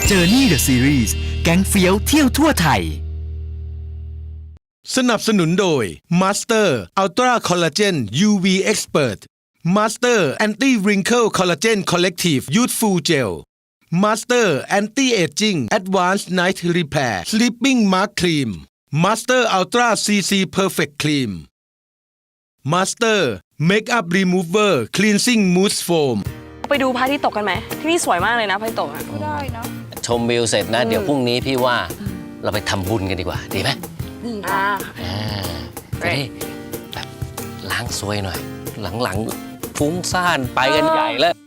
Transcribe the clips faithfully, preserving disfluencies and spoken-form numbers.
Journey the Series แก๊งเฟี้ยวเที่ยวทั่วไทยสนับสนุนโดย Master Ultra Collagen ยู วี Expert Master Anti Wrinkle Collagen Collective Youthful Gel Master Anti Aging Advanced Night Repair Sleeping Mask Cream Master Ultra ซี ซี Perfect Cream Master Makeup Remover Cleansing Mousse Foam ไปดูพระอาทิตย์ตกกันไหมที่นี่สวยมากเลยนะพระอาทิตย์ตกอ่ะก็ได้นะชมวิวเสร็จนะเดี๋ยวพรุ่งนี้พี่ว่าเราไปทำบุญกันดีกว่าดีไหมอ่าจะได้แบบล้างซวยหน่อยหลังๆฟุ้งซ่านไปกันใหญ่แล้ว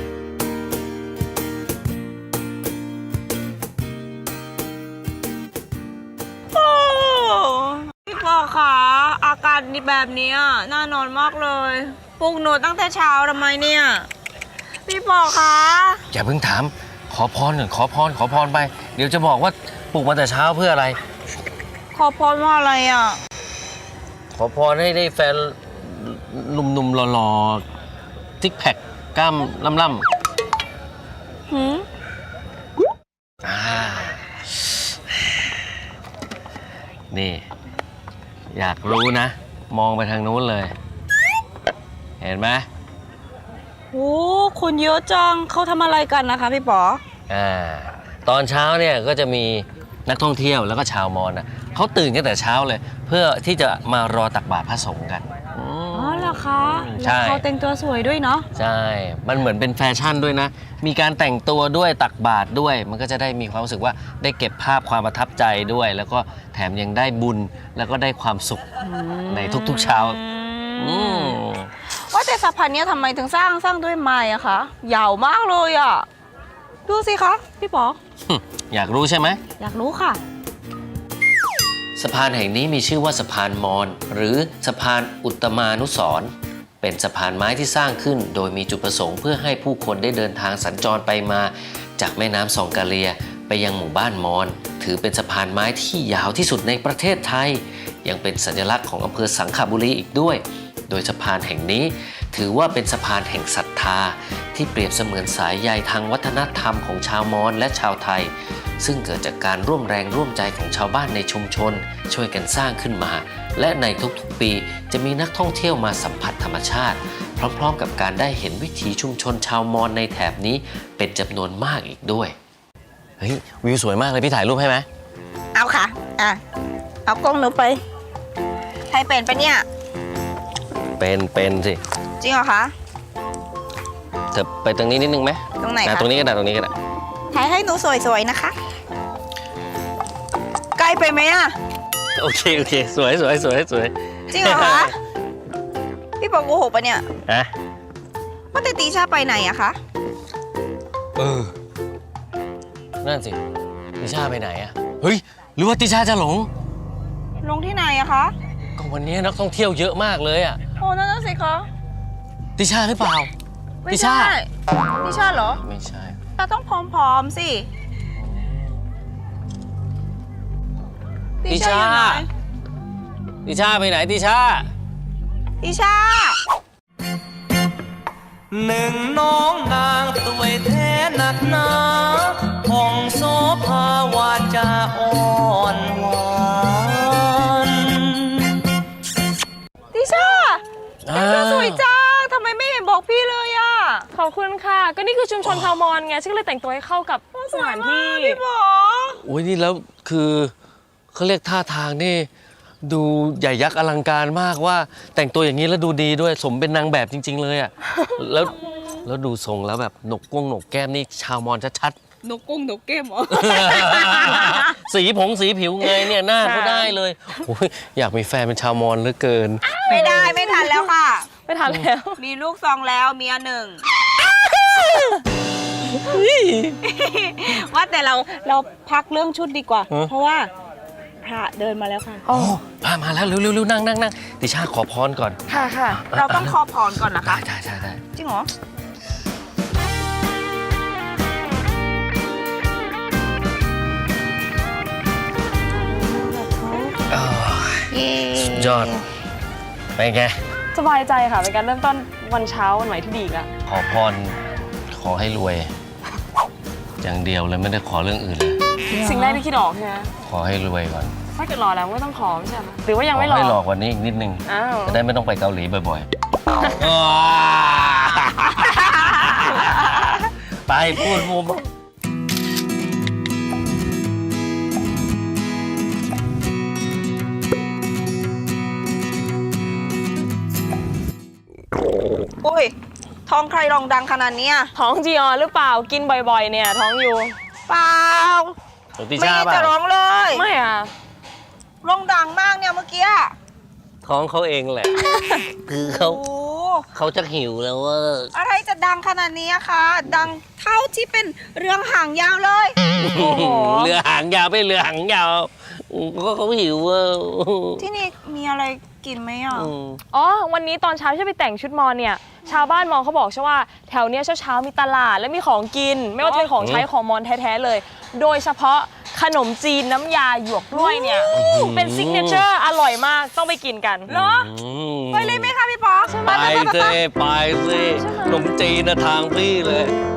พี่ปอคะอากาศแบบนี้น่านอนมากเลยปลุกหนูตั้งแต่เช้าทำไมเนี่ยพี่ปอคะอย่าเพิ่งถามขอพรหนึ่งขอพรขอพรไปเดี๋ยวจะบอกว่าปลุกมาแต่เช้าเพื่ออะไรขอพรว่าอะไรอ่ะขอพรให้ได้แฟนหนุ่มๆหล่อๆทิกแพคกล้ามล่ำๆหืมอ่านี่อยากรู้นะมองไปทางนู้นเลยเห็นไหมโอ้คนเยอะจังเขาทำอะไรกันนะคะพี่ปออ่าตอนเช้าเนี่ยก็จะมีนักท่องเที่ยวแล้วก็ชาวมอญนะเขาตื่นกันแต่เช้าเลยเพื่อที่จะมารอตักบาตรพระสงฆ์กันอ๋อเหรอคะแล้วเขาแต่งตัวสวยด้วยเนาะใช่มันเหมือนเป็นแฟชั่นด้วยนะมีการแต่งตัวด้วยตักบาตรด้วยมันก็จะได้มีความรู้สึกว่าได้เก็บภาพความประทับใจด้วยแล้วก็แถมยังได้บุญแล้วก็ได้ความสุขในทุกๆเช้าว่าแต่สะพานนี้ทำไมถึงสร้างสร้างด้วยไม้อะคะยาวมากเลยอะดูสิคะพี่ปออยากรู้ใช่ไหมอยากรู้ค่ะสะพานแห่งนี้มีชื่อว่าสะพานมอญหรือสะพานอุตมานุสรณ์เป็นสะพานไม้ที่สร้างขึ้นโดยมีจุดประสงค์เพื่อให้ผู้คนได้เดินทางสัญจรไปมาจากแม่น้ำซองกาเลียไปยังหมู่บ้านมอญถือเป็นสะพานไม้ที่ยาวที่สุดในประเทศไทยยังเป็นสัญลักษณ์ของอำเภอสังขบุรีอีกด้วยโดยสะพานแห่งนี้ถือว่าเป็นสะพานแห่งศรัทธาที่เปรียบเสมือนสายใยทางวัฒนธรรมของชาวมอญและชาวไทยซึ่งเกิดจากการร่วมแรงร่วมใจของชาวบ้านในชุมชนช่วยกันสร้างขึ้นมาและในทุกๆปีจะมีนักท่องเที่ยวมาสัมผัสธรรมชาติพร้อมๆกับการได้เห็นวิถีชุมชนชาวมอญในแถบนี้เป็นจำนวนมากอีกด้วยเฮ้ยวิวสวยมากเลยพี่ถ่ายรูปให้ไหมเอาค่ะอ่ะเอากล้องหนูไปใครเป็นปะเนี่ยเป็นเป็นสิจริงเหรอคะเธอไปตรงนี้นิดนึงไหมตรงไหนคะตรงนี้ก็ได้ตรงนี้ก็ได้ถ่ายให้หนูสวยๆนะคะใกล้ไปไหมอ่ะโอเคโอเคสวยสวยสวยสวยจริงเหรอคะพี่ปอโกหกปะเนี่ยฮะว่าแต่ตีชาไปไหนอะคะเออนั่นสิติชาไปไหนอะเฮ้ยหรือว่าติชาจะหลงลงที่ไหนอะคะก็วันนี้นักท่องเที่ยวเยอะมากเลยอะโอ้นั่นสิคะติชาหรือเปล่าติชาติชาเหรอไม่ใช่เราต้องผอมๆสิติชาติชาไปไหนติชาติชาหนึ่งน้องนางสวยแท้หนักหนาผ่องโสภาวาจาอ่อนหวานติชาแต่งตัวสวยจังทำไมไม่เห็นบอกพี่เลยอ่ะขอบคุณค่ะก็นี่คือชุมชนชาวมอญไงฉันเลยแต่งตัวให้เข้ากับสถานที่พี่บอโอ้ยนี่แล้วคือเขาเรียกท่าทางนี่ดูใหญ่ยักษ์อลังการมากว่าแต่งตัวอย่างนี้แล้วดูดีด้วยสมเป็นนางแบบจริงๆเลยอ่ะแล้วแล้วดูทรงแล้วแบบหนกก้งหนกแก้มนี่ชาวมอญชัดๆนกก้งนกแก้มเหรอสีผงสีผิวไงเนี่ยหน้าก็ได้เลยโอ้ยอยากมีแฟนเป็นชาวมอญเหลือเกินไม่ได้ไม่ทันแล้วค่ะไม่ทันแล้วมีลูกสองแล้วเมียหนึ่งว่าแต่เราเราพักเรื่องชุดดีกว่าเพราะว่าพระเดินมาแล้วค่ะโอ้พระมาแล้วเร็วๆนั่งนั่งนั่งติชาขอพรก่อนค่ะค่ะเราต้องขอพรก่อนนะคะใช่ใช่ใช่จริงเหรอสุดยอดไปไงสบายใจค่ะเป็นการเริ่มต้นวันเช้าวันใหม่ที่ดีอีกแล้วขอพรขอให้รวยอย่างเดียวเลยไม่ได้ขอเรื่องอื่นเลยสิ่งแรกที่คิดออกใช่ไหมขอให้รวยก่อนถ้าเกิดรอแล้วไม่ต้องขอไม่ใช่ไหมหรือว่ายังขไม่อรอให้หลอกกว่านี้อีกนิดนึงอ้าวจะได้ไม่ต้องไปเกาหลีบ่อยๆ ไปพูดมุมอุ้ยท้องใครรองดังขนาดเนี้ยท้องจีออนหรือเปล่ากินบ่อยๆเนี่ยท้องอยู่เปล่าของติไม่ชาได้ป่ะจะร้องเลยไม่อ่ะร้องดังมากเนี่ยเมื่อกี้อะท้องเขาเองแหละ คือเขาโอ้เขาจะหิวแล้วว่าอะไรจะดังขนาดนี้อะคะ ดังเท่าที่เป็นเรื่องหางยาวเลยโอ้โหเรือหางยาวไม่เรือหางยาวก็เขาหิวว่าที่นี่มีอะไรกินไหมอ่ะอ๋อวันนี้ตอนเช้าที่ไปแต่งชุดมอญเนี่ยชาวบ้านมอญเขาบอกใช่ว่าแถวเนี้ยเช้าๆมีตลาดและมีของกิน ไม่ว่าจะเป็นของใช้ของมอญแท้ๆเลย โดยเฉพาะขนมจีนน้ำยาหยวกกล้วยเนี่ยเป็นซิกเนเจอร์อร่อยมากต้องไปกินกันเหรอไปเลยไหมคะพี่ป๊อกไปสิไปสิขนมจีนนะทางพี่เลย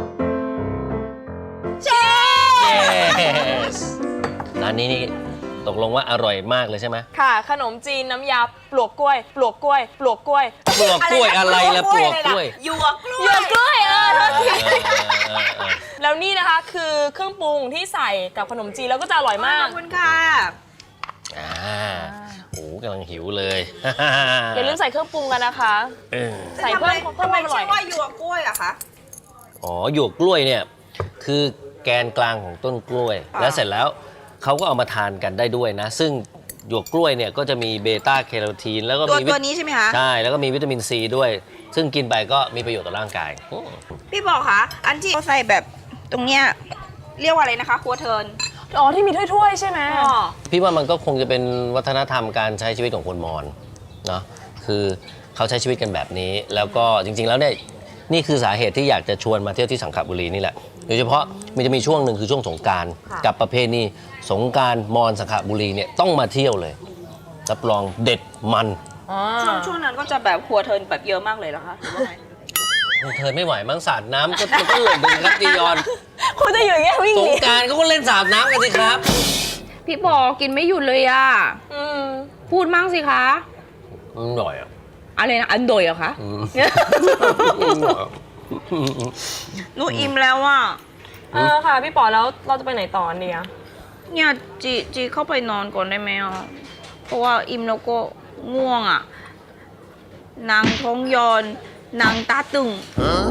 เจ๊ yes ร้านนี้นี่ตกลงว่าอร่อยมากเลยใช่ไหมค่ะ ขนมจีนน้ำยาปลวกกล้วย ปลวกกล้วย ปลวกกล้วยปลวกกล้วยอะไรละปลวกกล้วยหยวกกล้วยหยวกกล้วยเออโทษทีเออเออเออแล้วนี่นะคะคือเครื่องปรุงที่ใส่กับขนมจีนแล้วก็จะอร่อยขมาอก บคุณค่ะอ่าโอ้กำลังหิวเลยอย่าลืมใส่เครื่องปรุงกันนะคะเออใส่เพิ่มเพิ่ทำมไมความอร่ชื่อยอว่าหยวกกล้วยอะคะอ๋อหยวกกล้วยเนี่ยคือแกนกลางของต้นกล้วยอ่าแล้วเสร็จแล้วเขาก็เอามาทานกันได้ด้วยนะ ซึ่งหยวกกล้วยเนี่ยก็จะมีเบต้าแคโรทีนแล้วก็ตัวมีวิตัวนี้ใช่ไหมคะใช่แล้วก็มีวิตามินซีด้วย ซึ่งกินไปก็มีประโยชน์ต่อร่างกายโอ้พี่บอกคะอันที่เขาใส่แบบตรงเนี้ยเรียกว่าอะไรนะคะครัวเทิร์นอ๋อที่มีถ้วยๆใช่ไหมอ๋อพี่ว่ามันก็คงจะเป็นวัฒนธรรมการใช้ชีวิตของคนมอญเนาะคือเขาใช้ชีวิตกันแบบนี้ แล้วก็จริง ๆ แล้วเนี่ยนี่คือสาเหตุที่อยากจะชวนมาเที่ยวที่สังขบุรีนี่แหละโดยเฉพาะมันจะมีช่วงหนึ่งคือช่วงสงกรานต์กับประเพณีสงกรานต์มอญสังขบุรีเนี่ยต้องมาเที่ยวเลยรับรองเด็ดมันอ๋อช่วงช่วงนั้นก็จะแบบครัวเทิร์นแบบเยอะมากเลยเหรอคะหรือว่าไงเธอไม่ไหวมั้งสาดน้ำก็มันก็หล่นดึงครับจียอนคุณจะอยู่อย่างเงี้ยวิ่งสหงนีกรารเขาก็เล่นสาดน้ำกันสิครับพี่บอกกินไม่หยุดเลยอะอืมพูดมั่งสิคะอืมหน่อยอ่ะอะไรนะอันโดยเหรอคะอืมอืมหน่อยหนูอิ่มแล้วอ่ะเออค่ะพี่ป๋อแล้วเราจะไปไหนต่อเนี่ยเนี่ยจีจีเข้าไปนอนก่อนได้ไหมอ่ะเพราะว่าอิ่มแล้วก็ง่วงอ่ะนางท้องยอนนางตาตึง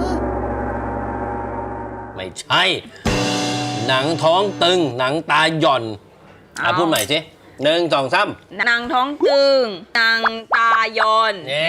ไม่ใช่ หนังท้องตึง หนังตาหย่อนอ่ะเอาพูดใหม่สิหนึ่งสองสามนางท้องตึงนางตายอนเย้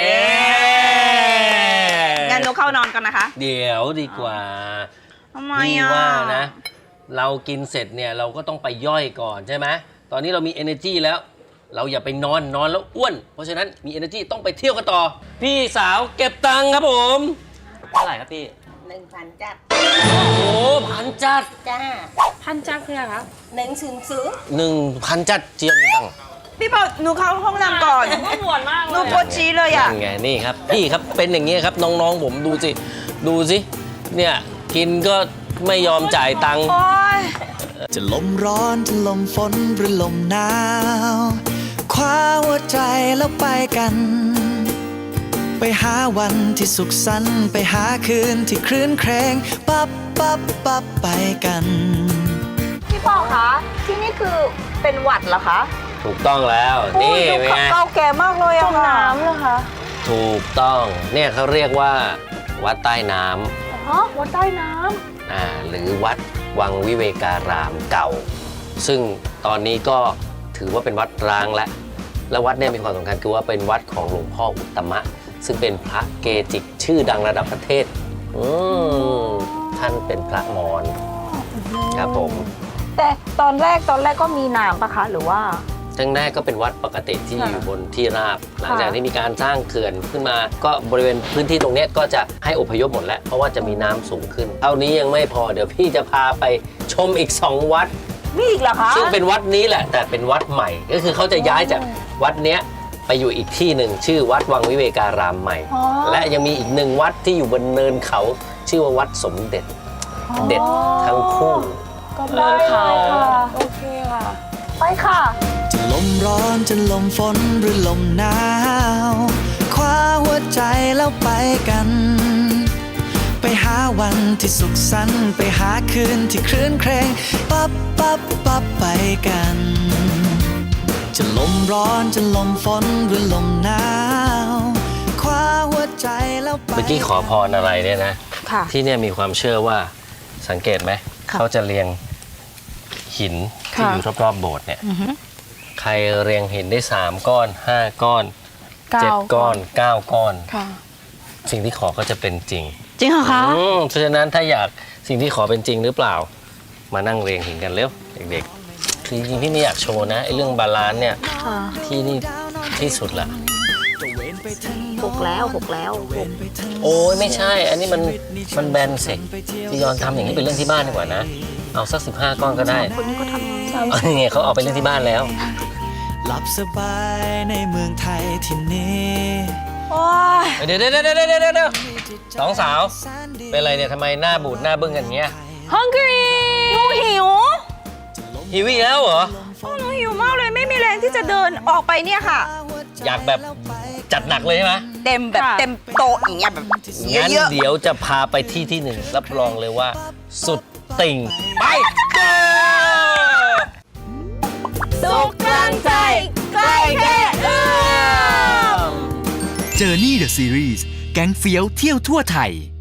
งั้นหนูเข้านอนกันนะคะเดี๋ยวดีกว่าทำไมพี่อ่ะว่านะ เรากินเสร็จเนี่ยเราก็ต้องไปย่อยก่อนใช่ไหมตอนนี้เรามี energy แล้ว เราอย่าไปนอนนอนแล้วอ้วน เพราะฉะนั้นมี energy ต้องไปเที่ยวกันต่อ พี่สาวเก็บตังค์ครับผมเท่าไหร่ครับพี่หนึ่งพันจัดโอ้โหพันจัดจ้าพันจักรคืออะไรคะหนึ่งศูนย์ศูนย์หนึ่งพันจัดเจียมตังค์พี่บอกหนูเข้าห้องน้ำก่อนก็ปวดมากหเลนูยปวดชี้เลยอ่ะนั่นไงนี่ครับพี่ครับเป็นอย่างนี้ครับน้องๆผมดูสิดูสิเนี่ยกินก็ไม่ยอมจ่ายตังค์โอ๊ยจะลมร้อนจะลมฝนหรือลมหนาวคว้าหัวใจแล้วไปกัน ไปหาวันที่สุขสันต์ไปหาคืนที่คลื่นเครงปับปับปับไปกันพี่ปอคะที่นี่คือเป็นหวัดเหรอคะถูกต้องแล้วนี่ดูเป็นไงเก่าแก่มากเลยจอะมค่ะน้ำเหรอคะถูกต้องเนี่ยเขาเรียกว่าวัดใต้น้ำอ๋อวัดใต้น้อ่าหรือวัดวังวิเวการามเก่า ซึ่งตอนนี้ก็ถือว่าเป็นวัดร้างแล้วและวัดเนี่ยมีความสำคัญคือว่าเป็นวัดของหลวงพ่ออุตตมะ ซึ่งเป็นพระเกจิชื่อดังระดับประเทศอืมท่านเป็นพระมอญครับผมแต่ตอนแรกตอนแรกก็มีน้ำปะคะหรือว่าทั้งแรกก็เป็นวัดปกติที่ค่ะอยู่บนที่ราบ หลังค่ะจากที่มีการสร้างเขื่อนขึ้นมา ก็บริเวณพื้นที่ตรงเนี้ยก็จะให้อพยพหมดแล้ว เพราะว่าจะมีน้ำสูงขึ้นเท่านี้ยังไม่พอเดี๋ยวพี่จะพาไปชมอีกสองวัดมีอีกเหรอคะซึ่งเป็นวัดนี้แหละ แต่เป็นวัดใหม่ ก็คือเขาจะย้ายจากวัดเนี้ยไปอยู่อีกที่หนึ่งชื่อวัดวังวิเวการามใหม่ และยังมีอีกหนึ่งวัดที่อยู่บนเนินเขาชื่อว่าวัดสมเด็จเด็ดทั้งคู่ก็ได้ค่ะโอเคค่ะ ไปค่ะจะลมร้อนจะลมฝนหรือลมหนาวคว้าหัวใจแล้วไปกัน ไปหาวันที่สุขสันต์ไปหาคืนที่คลื่นเครงปั๊บปั๊บปั๊บไปกัน จะลมร้อนจะลมฝนหรือลมหนาวคว้าหัวใจแล้วไปเมื่อกี้ขอพรอะไรเนี่ยนะค่ะที่เนี่ยมีความเชื่อว่าสังเกตไหมค่ะเขาจะเรียงหินที่ค่ะอยู่รอบๆโบสถ์เนี่ยใครเรียงหินได้สามก้อนห้าก้อนเก้าเจ็ดก้อนเก้าก้อนค่ะสิ่งที่ขอก็จะเป็นจริงจริงเหรอคะอืมเพราะฉะนั้นถ้าอยากสิ่งที่ขอเป็นจริงหรือเปล่า มานั่งเรียงหินกันเร็วเด็กๆคือจริงๆพี่ไม่อยากโชว์นะไอ้เรื่องบาลานซ์เนี่ยที่นี่ที่สุดละหกแล้วหกแล้วหกโอ้ยไม่ใช่ อันนี้มันมันแบนเสร็จจียอนทำอย่างนี้เป็นเรื่องที่บ้านดีกว่านะ เอาสักสิบห้าก้อนก็ได้คนนี้ก็ทำเอาไงเขาเอาไปเล่นที่บ้านแล้วหลับสบายในเมืองไทยที่นี้โอ้ยเดี๋ยวเดี๋ยวเดี๋ยวเดี๋ยวเดี๋ยวเดี๋ยวสองสาว เป็นอะไรเนี่ยทำไมหน้าบูดหน้าบึ้งกันอย่างเงี้ย hungry หนูหิวหิวอีกแล้วเหรอโอ้หนูหิวมากเลยไม่มีแรงที่จะเดินออกไปเนี่ยค่ะอยากแบบจัดหนักเลยใช่ไหมเต็มแบบค่ะเต็มโต๊ะอย่างเงี้ยแบบงั้นเยอะเดี๋ยวจะพาไปที่ที่หนึ่งรับรองเลยว่า สุดติ่งไปเจอๆสุขกลางใจใกล้แค่เอื้อม Journey the Series แก๊งเฟี้ยวเที่ยวทั่วไทย